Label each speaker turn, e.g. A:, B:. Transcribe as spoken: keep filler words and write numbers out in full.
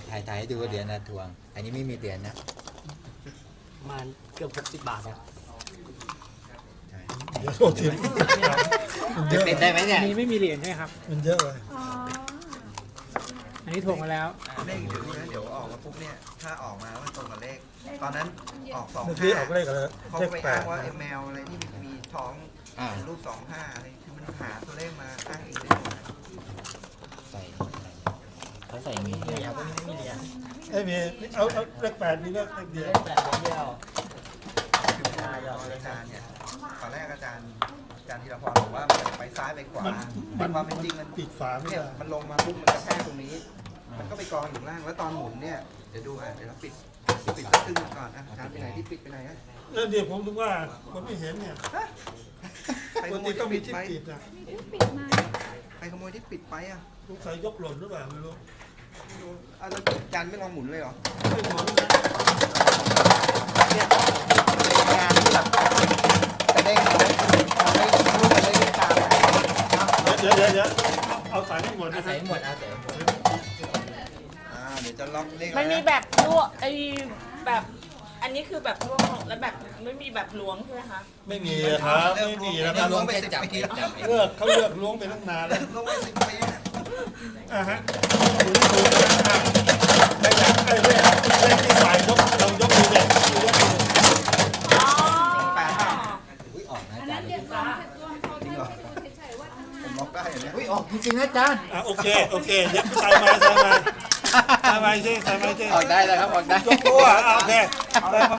A: ถ่ายถ่ายให้ดูเหรียญนะทวงอันนี้ไม่มีเหรียญนะ
B: ประมาณเกือบหกสิบบาทครับ
C: เดี๋ยวโทษที
A: จะติดได้ไหมเนี่ย
D: อันนี้ไม่มีเหรียญใช่ครับ
C: มันเยอะเลย
D: อันนี้ถ่วงมาแล้ว
E: เลขเดี๋ยวนี้เดี๋ยวออกมาปุ๊บเนี่ยถ้าออกมาแล้วมันตรงกับเลขตอนนั้นออกสอง
C: เมื่อกี้
E: ห้า
C: ออกเลขอะไร
E: เขา
C: เลข
E: ไป
C: แป
E: อ้า
C: ด
E: งว่าไอ้แมวอะไรที่มีท้องรูปสองห้าอะไรคือมันหาตัวเลขมาอ้างเองได้หมด
A: ใส่เขาใส่มี
B: นี่ครับพวกนี้ไม่มีเหรียญ
C: ไอ้มีเอาเอาเลขแปดมีเลขเดียว
B: เลขแปดเลขเดียว
E: ตอนอาจารย์เนี่ยตอนแรกอาจารย์อาจารย์ธีรพรบอกว่ามันไปซ้ายไปขวาแต่ความเป็นจริงมัน
C: ปิดฝาไม่
E: เนี่ย
C: ได้
E: มันลงมาปุ๊บมันกระแทกตรงนี้ มันก็ไปกองอยู่ล่างแล้วตอนหมุนเนี่ยเดี๋ยวดูอ่ะเดี๋ยวเราปิดปิดสักครึ่งก่อนอ่ะอาจารย์ไปไหนที่ปิดไปไหนอ่ะ
C: แล้วเดี๋ยวผมถึงว่าคนไม่เห็นเนี่ย
E: ใคร
C: ป
E: ข
C: ก
E: โม
C: ติ
E: ย
C: ต้องมี
E: ที่
C: ที่
E: ปิดไป
C: ปิดนะ
E: ใครขโมยที่ปิดไปอ่ะ
C: สงสัยยกหล่นหรือเปล่าไม่รู้
E: ไม่รู้อ่ะแล้วอาจารย์ไม่ลองหมุนเลยเหรอ
C: ไม่หมด
E: เนี่ยงานที่แบบจะได้เขาเขาได้รู้กันได้ด้วยตามนะ
C: เดี๋ยวเดี๋ยวเดี๋ยวเอาสายให้หมดนะ
A: ใส่หมดเอาใส่หมด
E: อ่าเดี๋ยวจะล็อกเลข
F: มันมีแบบลวกไอ้แบบอันนี้คือแบบลวกแล้วแบบไม่มีแบบล้วงใช่ไหมคะ
C: ไม่มีครับไม่มีนะค
A: ถ้า
C: รับ
A: ล้วงแค่จับเองจับเอง
C: เลือกเขาเลือกล้วงไปตั้งนานแล้ว
E: ลงไปสิบปีนะ
C: อ่าฮะดูที่ดูนะใครอยากไอ้เลขเลขที่ใส่ยกเรายกดูเนี่ยยกดู
F: อ๋อ
E: แปดห้า
A: อุ้ยออกนะอาจารย์
E: จริงเหรอผมล็อกได้เหรอเนี่ย
A: อุ้ยออกจริงๆนะอาจารย์
C: อ่ะโอเคโอเคเดี๋ยวใส่มาใส่มาใส่มาใช่ใส่มาใช่
A: ออกได้แล้วครับออกได้
C: ยกตัวอ่ะโอเค